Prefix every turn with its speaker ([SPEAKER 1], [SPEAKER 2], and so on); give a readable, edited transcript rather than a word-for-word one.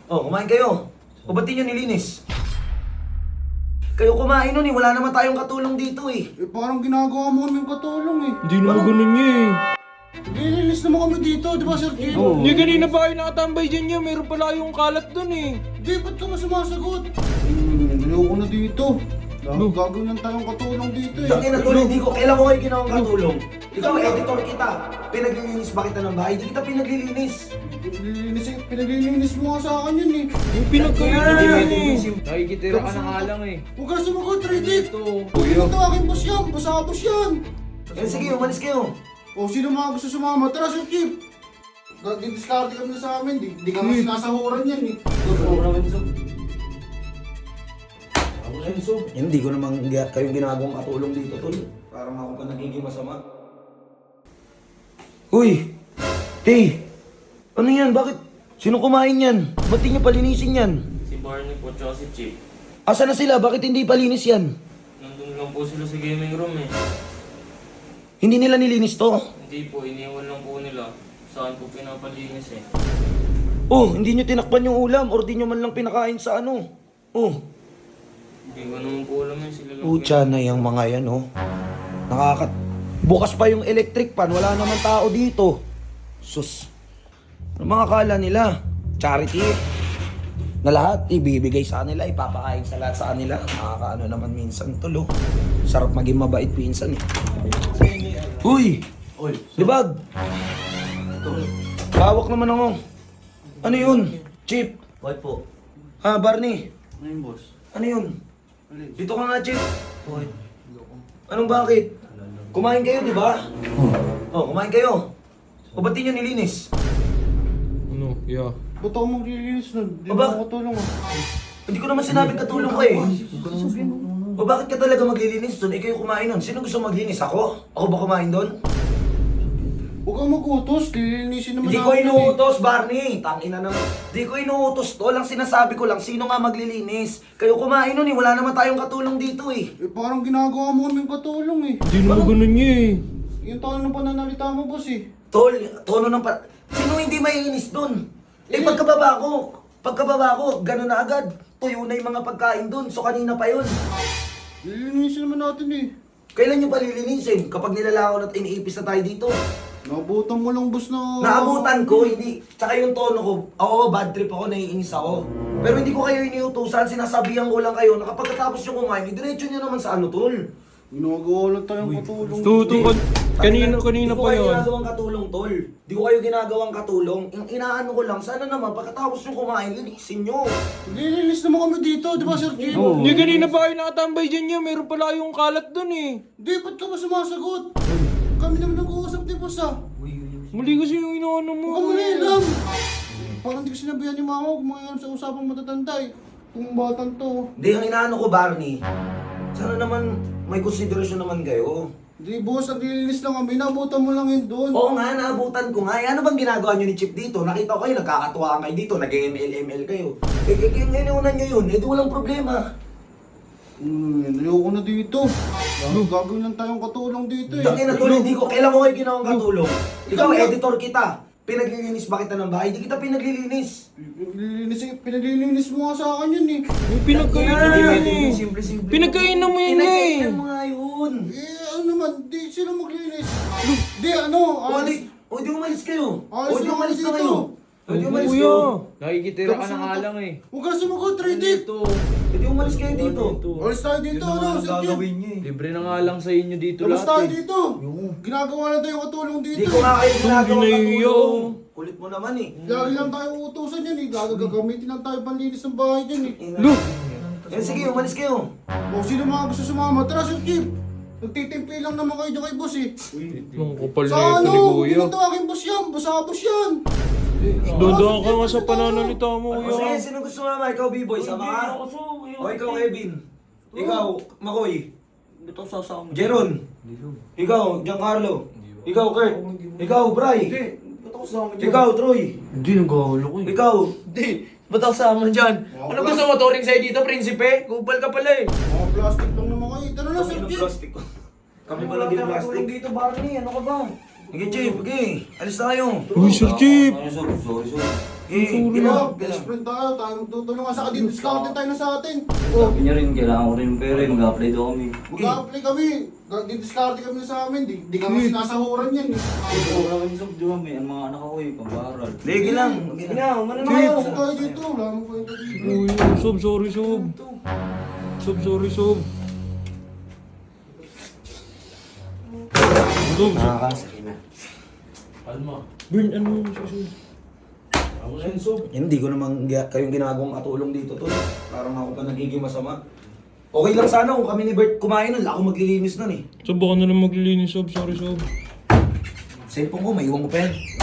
[SPEAKER 1] Oh, kumain kayo. O ba't di nyo nilinis? Kayo kumain nun eh, wala naman tayong katulong dito eh.
[SPEAKER 2] Eh parang ginagawa mo kami yung katulong eh.
[SPEAKER 3] Hindi naman ganun niya eh.
[SPEAKER 2] Nilinis naman kami dito, di ba Sir Jim?
[SPEAKER 3] Hindi kanina pa kayo nakatambay dyan niya. Meron pala yung kalat dun eh.
[SPEAKER 2] Di, ba't ka ba sumasagot? Ayoko na dito. Gagawin lang tayong katulong dito eh.
[SPEAKER 1] Tangin na tuloy, hindi ko, kailan ko kayo ginawang katulong? Ikaw, editor kita. Pinaglilinis ba kita ng bahay? Hindi kita pinaglilinis.
[SPEAKER 2] Pinaglilinis mo nga sa akin yun eh.
[SPEAKER 3] Yung pinagkainan yun eh.
[SPEAKER 4] Nakikitira ka na nga lang eh.
[SPEAKER 2] Huwag ka na sumagot, Riddick!
[SPEAKER 4] Ito.
[SPEAKER 2] Huwag ito aking boss yan, basa-bos yan!
[SPEAKER 1] Eh sige, umalis kayo.
[SPEAKER 2] O sino mga gusto sumama? Tara, Sir Chief! Didiscard kami na sa amin, di ka kasi nasahuran yan eh.
[SPEAKER 1] Hindi ko namang kayong ginagawang katulong dito, tol. Parang ako pa nagiging masama. Uy! Tay! Ano yan? Bakit? Sino kumain yan? Ba't di nyo palinisin yan?
[SPEAKER 4] Si Barney po tsaka si Chip.
[SPEAKER 1] Asa na sila? Bakit hindi palinis yan?
[SPEAKER 4] Nandun lang po sila sa gaming room eh.
[SPEAKER 1] Hindi nila nilinis to?
[SPEAKER 4] Hindi po, iniwan lang po nila. Saan po pinapalinis eh.
[SPEAKER 1] Oh, hindi nyo tinakpan yung ulam or di nyo man lang pinakain sa ano. Oh,
[SPEAKER 4] Hindi ko naman po alam yun sila lang.
[SPEAKER 1] pucha na yung mga yan, oh. Bukas pa yung electric pan, wala naman tao dito. Sus. Ano mga kala nila? Charity. Na lahat, ibibigay sa kanila, ipapakain sa lahat sa kanila. Nakakaano naman minsan tulo. Sarap maging mabait minsan eh. Uy! Libag! Hawak naman ako. Ano yun? Chip?
[SPEAKER 5] Bakit po?
[SPEAKER 1] Ha, Barney?
[SPEAKER 5] Ano yung boss?
[SPEAKER 1] Ano yun? Dito ka nga, Chip.
[SPEAKER 5] Bakit?
[SPEAKER 1] Anong bakit? Kumain kayo, di ba? Oh, kumain kayo. O ba't di nyo nilinis?
[SPEAKER 3] Ano? Yeah.
[SPEAKER 2] Ba't ako maglilinis nun? Di
[SPEAKER 1] O
[SPEAKER 2] ba
[SPEAKER 1] bak-
[SPEAKER 2] ako katulong ah?
[SPEAKER 1] Hindi ko naman sinabing katulong ko eh. O bakit ka talaga maglilinis doon? Eh kayo kumain doon. Sino gusto maglinis? Ako? Ako ba kumain doon?
[SPEAKER 2] Huwag kang mag-utos, lilinisin naman
[SPEAKER 1] Hindi ko
[SPEAKER 2] namin eh.
[SPEAKER 1] inuutos, Barney. Tangina naman. Hindi ko inuutos to. Lang sinasabi ko lang, sino nga maglilinis? Kayo kumain doon eh. Wala naman tayong katulong dito eh.
[SPEAKER 2] Eh parang ginagawa mo kami yung katulong eh.
[SPEAKER 3] Hindi naman ganun niya eh.
[SPEAKER 2] Yung tono ng pananalita mo, boss eh.
[SPEAKER 1] Tol, tono ng Sino hindi maiinis doon? Eh pagkababa ko, gano'n na agad. Tuyo na yung mga pagkain doon. So kanina pa yun.
[SPEAKER 2] Lilinisin naman natin eh.
[SPEAKER 1] Kailan nyo palilinisin? Kapag nilalakaw at iniipis na tayo dito.
[SPEAKER 2] Nabutan mo lang, boss, na...
[SPEAKER 1] Naabutan ko, hindi. Tsaka yung tono ko, oo, bad trip ako, naiinis ako. Pero hindi ko kayo iniutusan, sinasabihan ko lang kayo na kapag katapos yung kumain, diretso nyo naman sa ano, tol.
[SPEAKER 2] Ginagawa lang tayong katulong.
[SPEAKER 3] Kanina
[SPEAKER 1] Hindi ko
[SPEAKER 3] pa
[SPEAKER 1] kayo
[SPEAKER 3] yun.
[SPEAKER 1] ginagawang katulong, tol. Hindi ko kayo ginagawang katulong. Yung inaano ko lang, sana naman, pagkatapos yung kumain, linisin nyo.
[SPEAKER 2] Lilinis naman kami dito, di ba, Sir Jim?
[SPEAKER 3] Hindi kanina pa kayo nakatambay dyan niya. Meron pala yung kalat dun eh.
[SPEAKER 2] Di, ba't ka ba sumasagot? Kami naman nag-uusap, di boss ah.
[SPEAKER 3] Mali kasi yung inaano mo.
[SPEAKER 2] Huwag ka manilam. Parang di ko sinabihan ni mama, huwag mangyayam sa usapang matatanda eh. Kung batang to.
[SPEAKER 1] Hindi, ang inaano ko, Barney, sana naman may konsiderasyon naman kayo.
[SPEAKER 2] Di, boss, naglilinis lang kami, nabutan mo lang yun doon.
[SPEAKER 1] Oo nga, naabutan ko nga. Eh, ano bang ginagawa nyo ni Chip dito? Nakita ko kayo, nagkakatuwaan kayo dito, nag-ML kayo. Eh, ngayon nyo yun, eh, di walang problema.
[SPEAKER 2] Ayoko na dito. Gagawin lang tayong katulong dito eh.
[SPEAKER 1] Tangin na tuloy, hindi ko, kailan ko kayo ginawang katulong? Ikaw, editor kita. Pinaglilinis ba kita ng bahay? Hindi kita pinaglilinis.
[SPEAKER 2] Pinaglilinis mo nga sa akin yun eh.
[SPEAKER 3] Yung pinagkainan yun eh.
[SPEAKER 4] Simple-simple.
[SPEAKER 3] Pinagkainan mo yun eh.
[SPEAKER 1] Pinagkainan mo nga yun.
[SPEAKER 2] Eh, ano naman, di sila maglinis. Di, ano,
[SPEAKER 1] O di umalis kayo.
[SPEAKER 2] Alis
[SPEAKER 1] O di
[SPEAKER 2] na
[SPEAKER 1] umalis
[SPEAKER 2] dito.
[SPEAKER 1] na kayo. O di umalis
[SPEAKER 3] Kuya.
[SPEAKER 1] kayo.
[SPEAKER 4] Nakikitira ka na nga lang eh.
[SPEAKER 2] Huwag ka sumagot, Riddick.
[SPEAKER 4] Ito.
[SPEAKER 1] O di umalis kayo dito.
[SPEAKER 2] Alis tayo dito, ano, Sir Jim.
[SPEAKER 5] niya eh.
[SPEAKER 4] Libre na nga lang sa inyo dito
[SPEAKER 2] Labas tayo
[SPEAKER 4] lahat eh.
[SPEAKER 2] dito. Ginagawa na tayong katulong dito.
[SPEAKER 1] Hindi ko nga kayo ginagawang
[SPEAKER 3] Ginayo.
[SPEAKER 1] katulong. Kulit mo naman eh.
[SPEAKER 2] Lagi lang tayo uutusan yan eh. Gagamitin lang tayo panlinis ng bahay dyan eh.
[SPEAKER 3] Look.
[SPEAKER 1] Eh sige, umalis kayo.
[SPEAKER 2] O sino mga gusto sumama? Tara, Sir Jim. Nagtitimpi lang naman kayo dyan kay boss eh.
[SPEAKER 3] Ang kapal
[SPEAKER 2] Sa
[SPEAKER 3] na ito
[SPEAKER 2] ano?
[SPEAKER 3] ni Kuya.
[SPEAKER 2] Ginito aking boss yan. Basa-bos yan.
[SPEAKER 3] Doon ka nga sa pananalita mo,
[SPEAKER 1] O sige,
[SPEAKER 3] Kuya.
[SPEAKER 1] sino gusto mama? Ikaw, B-boy, sama ka? O ikaw, Kevin. Ikaw, Makoy.
[SPEAKER 5] Ba't ako sasama?
[SPEAKER 1] Jeron. Ikaw, Giancarlo. Ikaw, Kurt. Ikaw, Bray.
[SPEAKER 5] Ba't ako sasama dyan?
[SPEAKER 1] Ikaw, Troy.
[SPEAKER 5] Hindi, nagkakalo ko eh.
[SPEAKER 1] Ikaw.
[SPEAKER 5] Hindi, ba't ako sasama dyan? Ano gusto mo, touring sa'yo dito, prinsipe? Kupal ka pala eh.
[SPEAKER 2] Mga plastic lang naman kayo. Tara na,
[SPEAKER 1] Kami
[SPEAKER 2] Sir
[SPEAKER 1] ng
[SPEAKER 2] Jim.
[SPEAKER 1] plastic ko. Kami
[SPEAKER 5] Wala
[SPEAKER 1] pala din
[SPEAKER 5] tayong
[SPEAKER 1] plastic.
[SPEAKER 5] katulong dito, Barney. Ano ka ba?
[SPEAKER 1] Sige, Chief. Okay. Alis tayo.
[SPEAKER 3] Uy, Sir Chief!
[SPEAKER 6] Sorry.
[SPEAKER 2] Best friend tayo magtutulungan sa kadin. Discount tayo na sa atin.
[SPEAKER 6] Sabi niya rin, kailangan ko rin ng pera, mag-apply daw kami.
[SPEAKER 2] Mag-apply kami. Di-discard kami sa amin. Di kami sinasahuran yan eh.
[SPEAKER 6] Wala kami sa di ba, may mga anak ako eh, pambaral.
[SPEAKER 1] Legi lang.
[SPEAKER 5] Sige na, umano na
[SPEAKER 2] Chief,
[SPEAKER 5] kayo.
[SPEAKER 2] kasi tayo dito. Wala mo kayo dito.
[SPEAKER 3] Uy, Sob, sorry, Sob. Sob, sorry, Sob. Sob,
[SPEAKER 1] Nakakasakit na.
[SPEAKER 3] Burn, ano yun, Sob?
[SPEAKER 1] Hindi ko naman kayong ginagawang katulong dito, tol. Parang ako pa nagiging masama. Okay lang sana kung kami ni Bert kumain nun. Ako maglilinis nun eh.
[SPEAKER 3] Sob, baka na lang maglilinis, Sob. Sorry, Sob.
[SPEAKER 1] Cellphone ko, may iwan mo pa yan.